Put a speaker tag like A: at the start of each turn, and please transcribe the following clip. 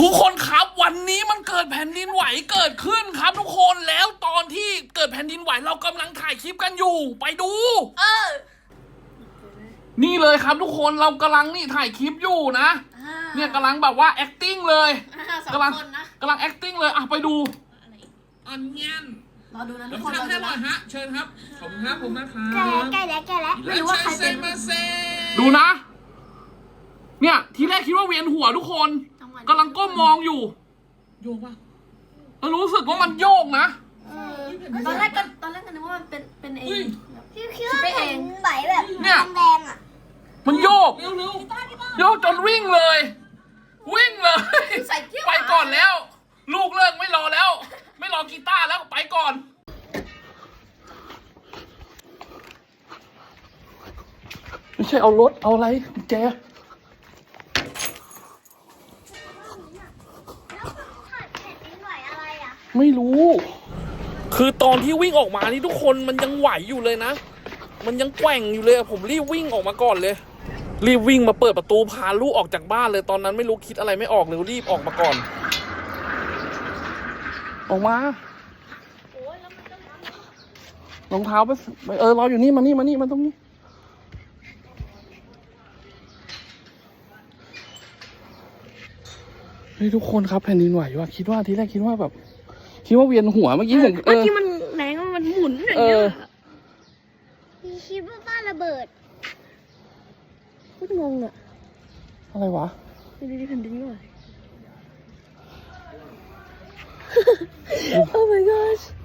A: ทุกคนครับวันนี้มันเกิดแผ่นดินไหวเกิดขึ้นครับทุกคนแล้วตอนที่เกิดแผ่นดินไหวเรากำลังถ่ายคลิปกันอยู่ไปดูนี่เลยครับทุกคนเรากำลังนี่ถ่ายคลิปอยู่นะเนี่ยกำลังแบบว่า acting เลยกำลัง acting เลยไปดูอันเงี้ยน
B: รอดูนะทุ
A: แล้
B: ก
A: ว
B: คน
A: ทำให้หน่อยฮะเชิญครับขอบคุณครับผมนะครับ
C: ใกล้แล้ว
B: ไม่รู้ว่าใครเป็น
A: ดูนะเนี่ยทีแรกคิดว่าเวียนหัวทุกคนกำลังก้มมองอยู่โยกป่ะแล้วรู้สึกว่ามันโยกนะ
B: ตอนแรกก็นึกว่ามันเป็นเอง
C: คิดว่าแผ่นดินไหวแบบแดงๆอ่ะ
A: มันโยกโยกจนวิ่งเลยไปก่อนแล้วลูกเลิกไม่รอแล้วไม่รอกีตาร์แล้วไปก่อนไม่ใช่เอารถเอาอะไรแจไม่รู้คือตอนที่วิ่งออกมานี่ทุกคนมันยังไหวอยู่เลยนะมันยังแกว่งอยู่เลยผมรีบวิ่งออกมาก่อนเลยรีบวิ่งมาเปิดประตูพาลูกออกจากบ้านเลยตอนนั้นไม่รู้คิดอะไรไม่ออกเลยรีบออกมาก่อนออกมารองเท้าไปรออยู่นี่มาตรงนี้นี่ทุกคนครับแผ่นดินไหวว่ะทีแรกคิดว่าแบบคิดว่าเวียนหัวเมื่อกี้ผม
B: ที่มันแรงมันหมุนอย่างเงี้ย
C: มีคิดว่าบ้านระเบิด
B: พูดงงอะ
A: อะไรวะ
B: ดูดิแผ่นดินไหว Oh my gosh